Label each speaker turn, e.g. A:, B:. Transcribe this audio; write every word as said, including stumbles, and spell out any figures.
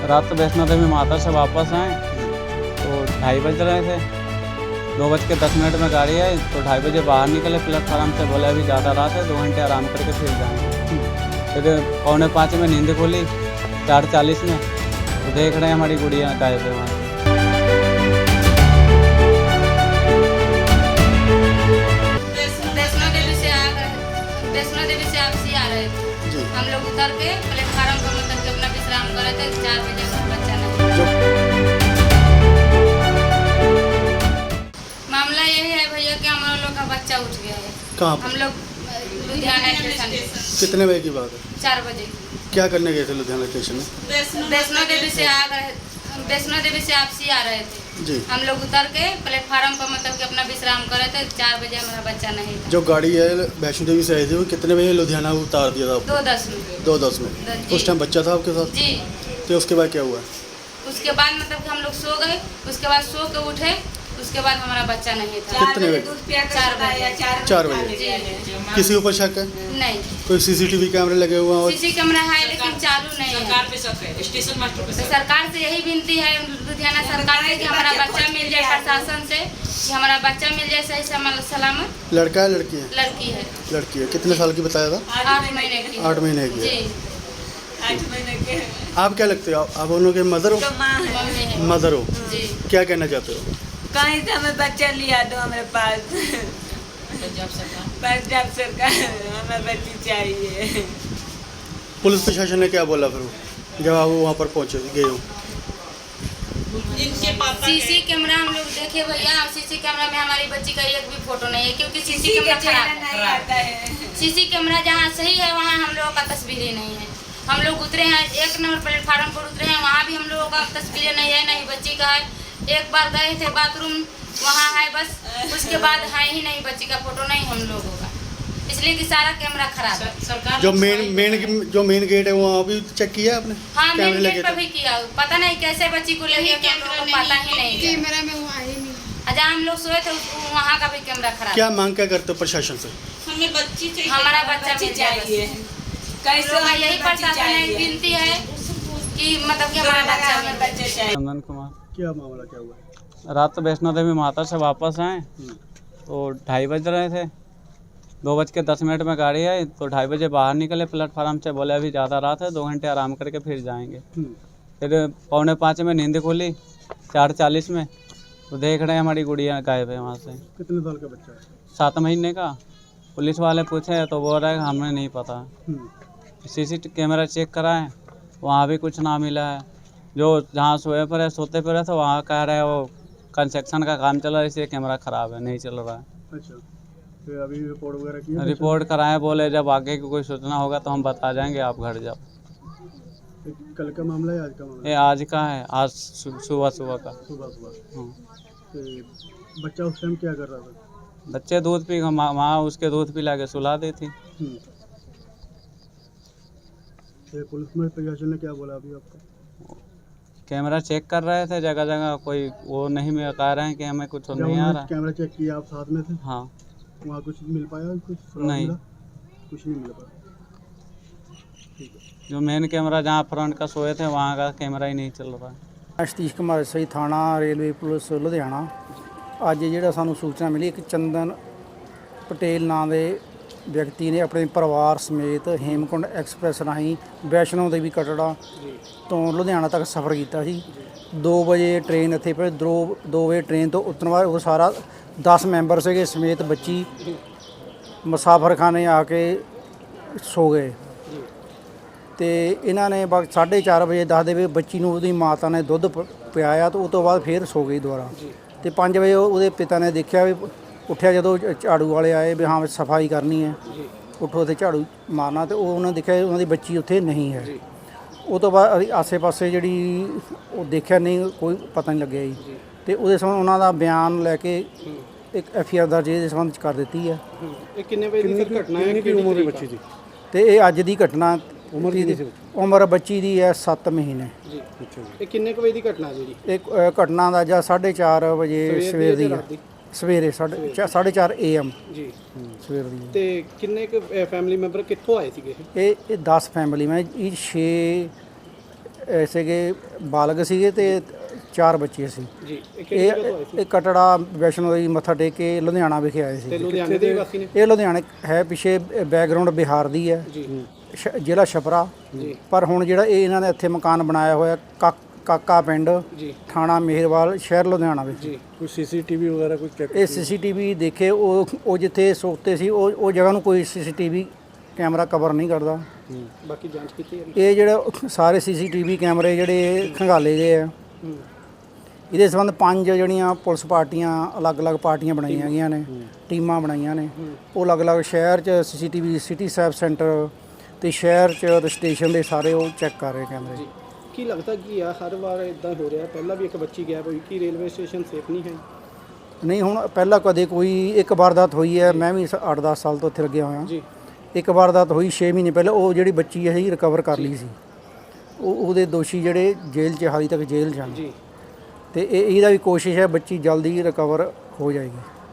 A: रात तो वैष्णो देवी माता से वापस आए तो ढाई बज रहे थे। दो बज के दस मिनट में गाड़ी आई तो ढाई बजे बाहर निकले प्लेटफार्म से। बोले अभी ज़्यादा रात है, दो घंटे आराम करके फिर जाएंगे। फिर पौने पाँच में नींद खुली, चार चालीस में तो देख रहे हैं हमारी गुड़िया गायब है वहाँ से।
B: वैष्णो देवी से आ गए वैष्णो देवी से आपसी आ रहे थे। हम लोग उतर के प्लेटफार्म पर मतलब कि अपना विश्राम कर रहे थे। चार बजे में बच्चा नहीं। मामला यही है भैया कि हम लोग का बच्चा उठ गया है।
C: कहाँ
B: हम लोग लुधियाना स्टेशन।
C: कितने बजे की बात है?
B: चार बजे।
C: क्या करने गए थे लुधियाना स्टेशन में?
B: वैष्णो देवी से आ गए वैष्णो देवी से आपसी आ रहे थे
C: जी।
B: हम लोग उतर के प्लेटफार्म पर मतलब कि अपना विश्राम कर रहे थे। चार बजे हमारा बच्चा नहीं था।
C: जो गाड़ी है वैष्णो देवी से आई थी वो कितने बजे लुधियाना उतार दिया था आपको?
B: दो दस में
C: दो दस में
B: जी।
C: उस टाइम बच्चा था आपके साथ?
B: जी।
C: तो उसके बाद क्या हुआ?
B: उसके बाद मतलब कि हम लोग सो गए। उसके बाद सो के उठे, उसके बाद हमारा बच्चा नहीं था।
C: कितने बजे?
B: चार बजे।
C: चार बजे।
B: जी।
C: किसी ऊपर शक है?
B: नहीं,
C: कोई सीसीटीवी कैमरे लगे हुए हैं? और
B: सीसी कैमरा है लेकिन चालू नहीं है।
D: सरकार पे शक है, स्टेशन मास्टर पे
B: तो
D: शक है।
B: सरकार से यही विनती है लुधियाना सरकार से कि हमारा बच्चा मिल जाए, प्रशासन से कि हमारा बच्चा मिल जाए सही सलामत।
C: लड़का है लड़की है?
B: लड़की है।
C: लड़की है। कितने साल की बताया था?
B: आठ महीने की।
C: आठ महीने की है।
B: जी।
D: आठ महीने के
C: आप क्या लगते हो? आप आप उन लोगों के मदर हो?
D: तो माँ है।
B: मम्मी है।
C: मदर हो?
B: जी।
C: क्या कहना चाहते हो?
D: कहीं से हमें बच्चा लिया दो हमारे पास।
E: पंजाब सरकार
D: पंजाब सरकार हमें बच्ची चाहिए।
C: पुलिस प्रशासन ने क्या बोला फिर जब आप वहाँ पर पहुँचे गए हो?
E: इनके पापा
B: सीसी कैमरा हम लोग देखे भैया, सीसी कैमरा में हमारी बच्ची का एक भी फोटो नहीं है क्योंकि सीसी कैमरा खराब है।
D: नहीं आता है।
B: सीसी कैमरा जहाँ सही है वहाँ हम लोगों का तस्वीर ही नहीं है। हम लोग उतरे हैं एक नंबर प्लेटफार्म पर उतरे हैं, वहाँ भी हम लोगों का तस्वीरें नहीं है, नहीं बच्ची का है। एक बार गए थे बाथरूम, वहाँ है बस, उसके बाद है ही नहीं बच्ची का फोटो नहीं हम लोगों का, इसलिए कि सारा कैमरा खराब है।
E: सरकार
C: जो मेन मेन जो मेन गेट है वहाँ भी चेक किया आपने?
B: हाँ, मेन
C: कैमरे
B: गेट
C: लगे
B: पर
C: थे?
B: भी किया। पता नहीं कैसे बच्ची को ले गया, हम लोगों को पता ही नहीं।
F: कैमरा में वो आई नहीं।
B: जहाँ हम लोग सोए थे वहाँ का भी कैमरा खराब।
C: क्या मांग क्या करते हो प्रशासन से?
E: हमें बच्ची चाहिए।
B: हमारा बच्चा
D: बच्ची
B: मिल जाए
D: चाहिए।
B: बस।
D: कैसे
B: लोग यही
D: बच्ची
B: प्रशासन है
D: चाहिए?
B: विनती है कि मतलब कि हमारा बच्चा
D: हमें
B: मिल जाए।
D: बच्चे चाहिए।
A: चंदन कुमार।
C: क्या मामला क्या हुआ?
A: रात तो वैष्णो देवी माता से वापस आए तो ढाई बज रहे थे। दो बज के दस मिनट में गाड़ी आई तो ढाई बजे बाहर निकले प्लेटफार्म से। बोले अभी ज़्यादा रात है, दो घंटे आराम करके फिर जाएंगे। फिर पौने पाँच में नींद खुली, चार चालीस में तो देख रहे हैं हमारी गुड़िया गायब है वहाँ से।
C: कितने साल का बच्चा है?
A: सात महीने का। पुलिस वाले पूछे तो बोल रहे हैं हमें नहीं पता। सीसी कैमरा चेक कराएं, वहाँ भी कुछ ना मिला है। जो जहाँ सोए पर है सोते पर है तो वहाँ कह रहे हैं वो कंस्ट्रक्शन का काम चल रहा है इसलिए कैमरा ख़राब है, नहीं चल रहा है।
C: अच्छा, फिर अभी रिपोर्ट वगैरह की है?
A: रिपोर्ट कराएं, बोले जब आगे की कोई सूचना होगा तो हम बता जाएंगे, आप घर जाओ।
C: कल का मामला है आज का मामला?
A: ये आज का है, आज सु- सुबह सुबह का।
C: सुबह सुबह।
A: हाँ।
C: तो बच्चा उस टाइम क्या कर रहा था?
A: बच्चे दूध पी माँ माँ उसके दूध पिला के सुला दी थी।
C: हम्म। तो पुलिस में प्रशासन ने क्या बोला अभी आपको?
A: कैमरा चेक कर रहे थे जगह जगह, कोई वो नहीं मिल कह रहे हैं कि हमें कुछ
C: जब
A: नहीं आ
C: उन्होंने
A: रहा।
C: कैमरा चेक किया आप साथ में थे,
A: हाँ।
C: वहाँ कुछ मिल पाया? कुछ सुराग
A: नहीं।
C: मिला? कुछ नहीं मिल पाया। ठीक है।
A: जो मेन कैमरा जहाँ फ्रंट का सोए थे वहाँ का कैमरा ही नहीं चल रहा है।
G: ਸਤੀਸ਼ ਕੁਮਾਰ ਸਹੀ ਥਾਣਾ ਰੇਲਵੇ ਪੁਲਿਸ ਲੁਧਿਆਣਾ। ਅੱਜ ਜਿਹੜਾ ਸਾਨੂੰ ਸੂਚਨਾ ਮਿਲੀ ਇੱਕ ਚੰਦਨ ਪਟੇਲ ਨਾਂ ਦੇ ਵਿਅਕਤੀ ਨੇ ਆਪਣੇ ਪਰਿਵਾਰ ਸਮੇਤ ਹੇਮਕੁੰਡ ਐਕਸਪ੍ਰੈਸ ਰਾਹੀਂ ਵੈਸ਼ਨੋ ਦੇਵੀ ਕਟੜਾ ਤੋਂ ਲੁਧਿਆਣਾ ਤੱਕ ਸਫ਼ਰ ਕੀਤਾ ਸੀ। ਦੋ ਵਜੇ ਟ੍ਰੇਨ ਇੱਥੇ ਪਹੁੰਚੀ। ਦੋ ਦੋ ਵਜੇ ਟ੍ਰੇਨ ਤੋਂ ਉਤਰਨ ਬਾਅਦ ਉਹ ਸਾਰਾ ਦਸ ਮੈਂਬਰ ਸੀਗੇ ਸਮੇਤ ਬੱਚੀ ਮੁਸਾਫਰਖਾਨੇ ਆ ਕੇ ਸੋ ਗਏ ਤੇ ਇਹਨਾਂ ਨੇ ਬਸ ਸਾਢੇ ਚਾਰ ਵਜੇ ਦੱਸਦੇ ਵੀ ਬੱਚੀ ਨੂੰ ਉਹਦੀ ਮਾਤਾ ਨੇ ਦੁੱਧ ਪ- ਪਿਆਇਆ ਤੇ ਉਸ ਤੋਂ ਬਾਅਦ ਫਿਰ ਸੋ ਗਈ ਦੁਬਾਰਾ। ਤੇ ਪੰਜ ਵਜੇ ਉਹ- ਉਹਦੇ ਪਿਤਾ ਨੇ ਦੇਖਿਆ ਵੀ ਉੱਠਿਆ, ਜਦੋਂ ਝ- ਝਾੜੂ ਵਾਲੇ ਆਏ ਵੀ ਹਾਂ ਸਫਾਈ ਕਰਨੀ ਹੈ, ਉੱਠੋ ਤੇ ਝਾੜੂ ਮਾਰਨਾ, ਤੇ ਉਹ ਉਹਨਾਂ ਨੇ ਦੇਖਿਆ ਉਹਨਾਂ ਦੀ ਬੱਚੀ ਉੱਥੇ ਨਹੀਂ ਹੈ। ਉਹ ਤੋਂ ਬਾਅਦ ਅਸੀਂ ਆਸੇ ਪਾਸੇ ਜਿਹੜੀ ਉਹ ਦੇਖਿਆ ਨਹੀਂ, ਕੋਈ ਪਤਾ ਨਹੀਂ ਲੱਗਿਆ ਜੀ। ਤੇ ਉਹਦੇ ਸੰਬੰਧ ਉਹਨਾਂ ਦਾ ਬਿਆਨ ਲੈ ਕੇ ਇੱਕ ਐਫ ਆਈ ਆਰ ਦਰਜ ਦੇ ਸੰਬੰਧ 'ਚ ਕਰ ਦਿੱਤੀ ਹੈ।
C: ਇਹ ਕਿੰਨੇ ਵਜੇ ਦੀ ਸਰ ਘਟਨਾ ਹੈ? ਕਿੰਨੀ ਉਮਰ ਦੀ ਬੱਚੀ ਦੀ?
G: ਤੇ ਇਹ ਅੱਜ ਦੀ ਘਟਨਾ। ਉਮਰ ਦੀ ਉਮਰ ਬੱਚੀ ਦੀ ਹੈ ਸੱਤ ਮਹੀਨੇ।
C: ਜੀ ਅੱਛਾ ਜੀ। ਇਹ ਕਿੰਨੇ ਕੁ ਵਜੇ ਦੀ ਘਟਨਾ ਹੈ ਜੀ?
G: ਇਹ ਅ, ਘਟਨਾ ਦਾ ਜਾਂ ਸਾਢੇ ਚਾਰ ਵਜੇ ਸਵੇਰ ਦੀ ਹੈ। ਸਵੇਰੇ ਸਾਢੇ ਚਾ- ਸਾਢੇ ਚਾਰ ਏ ਐਮ
C: ਜੀ।
G: ਸਵੇਰ ਦੀ ਹੈ।
C: ਤੇ ਕਿੰਨੇ ਕੁ ਫੈਮਿਲੀ ਮੈਂਬਰ ਕਿੱਥੋਂ ਆਏ ਸੀਗੇ?
G: ਇਹ ਇਹ ਦਸ ਫੈਮਿਲੀ ਮੈਂ ਇਹ ਛੇ ਸੀਗੇ ਬਾਲਗ ਸੀਗੇ ਤੇ ਚਾਰ ਬੱਚੇ ਸੀ
F: ਜੀ ਇਹ ਕਿਹੜੀ ਜਗ੍ਹਾ ਤੋਂ ਆਏ
G: ਇਹ ਇਹ ਕਟੜਾ ਵੈਸ਼ਨੋ ਦੇਵੀ ਮੱਥਾ ਟੇਕ ਕੇ ਲੁਧਿਆਣਾ ਵਿਖੇ ਆਏ
F: ਤੇ
G: ਸੀ।
F: ਲੁਧਿਆਣੇ ਦੇ ਵਾਸੀ ਨੇ
G: ਇਹ ਲੁਧਿਆਣੇ ਹੈ, ਪਿੱਛੇ ਬੈਕਗ੍ਰਾਉਂਡ ਬਿਹਾਰ ਦੀ ਹੈ,
F: ਜੀ
G: ਸ਼- ਜ਼ਿਲ੍ਹਾ ਛਪਰਾ,
F: ਜੀ
G: ਪਰ ਹੁਣ ਜਿਹੜਾ ਇਹ ਇਹਨਾਂ ਨੇ ਇੱਥੇ ਮਕਾਨ ਬਣਾਇਆ ਹੋਇਆ ਕਾ- ਕਾਕਾ ਪਿੰਡ,
F: ਜੀ
G: ਥਾਣਾ ਮੇਹਰਵਾਲ, ਸ਼ਹਿਰ ਲੁਧਿਆਣਾ ਵਿੱਚ।
F: ਜੀ
C: कोई सीसीटीवी वगैरह कुछ चेक
G: ਇਹ ਸੀਸੀਟੀਵੀ ਦੇਖੇ, ਉਹ ਉਹ ਜਿੱਥੇ ਸੋਤੇ ਸੀ ਉਹ ਉਹ ਜਗ੍ਹਾ ਨੂੰ ਕੋਈ ਸੀਸੀਟੀਵੀ ਕੈਮਰਾ ਕਵਰ ਨਹੀਂ ਕਰਦਾ।
F: ਬਾਕੀ ਜਾਂਚ ਕੀਤੀ ਹੈ
G: ਇਹ ਜਿਹੜੇ ਸਾਰੇ ਸੀਸੀਟੀਵੀ ਕੈਮਰੇ ਜਿਹੜੇ ਖੰਗਾਲੇ ਗਏ ਆ,
F: ਹੂੰ।
G: ਇਹਦੇ ਸੰਬੰਧ ਪੰਜ ਜਿਹੜੀਆਂ ਪੁਲਿਸ ਪਾਰਟੀਆਂ ਅਲੱਗ-ਅਲੱਗ ਪਾਰਟੀਆਂ ਬਣਾਈਆਂ ਗਈਆਂ ਨੇ, ਟੀਮਾਂ ਬਣਾਈਆਂ ਨੇ, ਉਹ ਅਲੱਗ-ਅਲੱਗ ਸ਼ਹਿਰ 'ਚ ਸੀਸੀਟੀਵੀ ਸਿਟੀ ਸਾਹਿਬ ਸੈਂਟਰ ਤੇ ਸ਼ਹਿਰ 'ਚ ਤੇ ਸਟੇਸ਼ਨ ਦੇ ਸਾਰੇ ਉਹ ਚੈੱਕ ਕਰ ਰਹੇ ਕੈਮਰੇ।
F: ਜੀ ਕੀ ਲੱਗਦਾ ਕੀ ਆ ਹਰ ਵਾਰ ਇਦਾਂ ਹੋ ਰਿਹਾ? ਪਹਿਲਾਂ ਵੀ ਇੱਕ ਬੱਚੀ ਗਾਇਬ ਹੋਈ, ਕੀ ਰੇਲਵੇ ਸਟੇਸ਼ਨ ਸੇਫ ਨਹੀਂ ਹੈ?
G: ਨਹੀਂ, ਹੁਣ ਪਹਿਲਾਂ ਕਦੇ ਕੋਈ ਇੱਕ ਵਾਰਦਾਤ ਹੋਈ ਹੈ, ਮੈਂ ਵੀ ਅੱਠ ਦਸ ਸਾਲ ਤੋਂ ਇੱਥੇ ਲੱਗਿਆ ਹੋਇਆ।
F: ਜੀ
G: ਇੱਕ ਵਾਰਦਾਤ ਹੋਈ ਛੇ ਮਹੀਨੇ ਪਹਿਲਾਂ, ਉਹ ਜਿਹੜੀ ਬੱਚੀ ਅਸੀਂ ਰਿਕਵਰ ਕਰ ਲਈ ਸੀ। ਉਹ ਉਹਦੇ ਦੋਸ਼ੀ ਜਿਹੜੇ ਜੇਲ੍ਹ 'ਚ ਹਾਲੇ ਤੱਕ ਜੇਲ੍ਹ 'ਚ ਹਨ,
F: ਜੀ
G: ਤੇ ਇਹ ਇਹਦਾ ਵੀ ਕੋਸ਼ਿਸ਼ ਹੈ ਬੱਚੀ ਜਲਦੀ ਰਿਕਵਰ ਹੋ ਜਾਏਗੀ।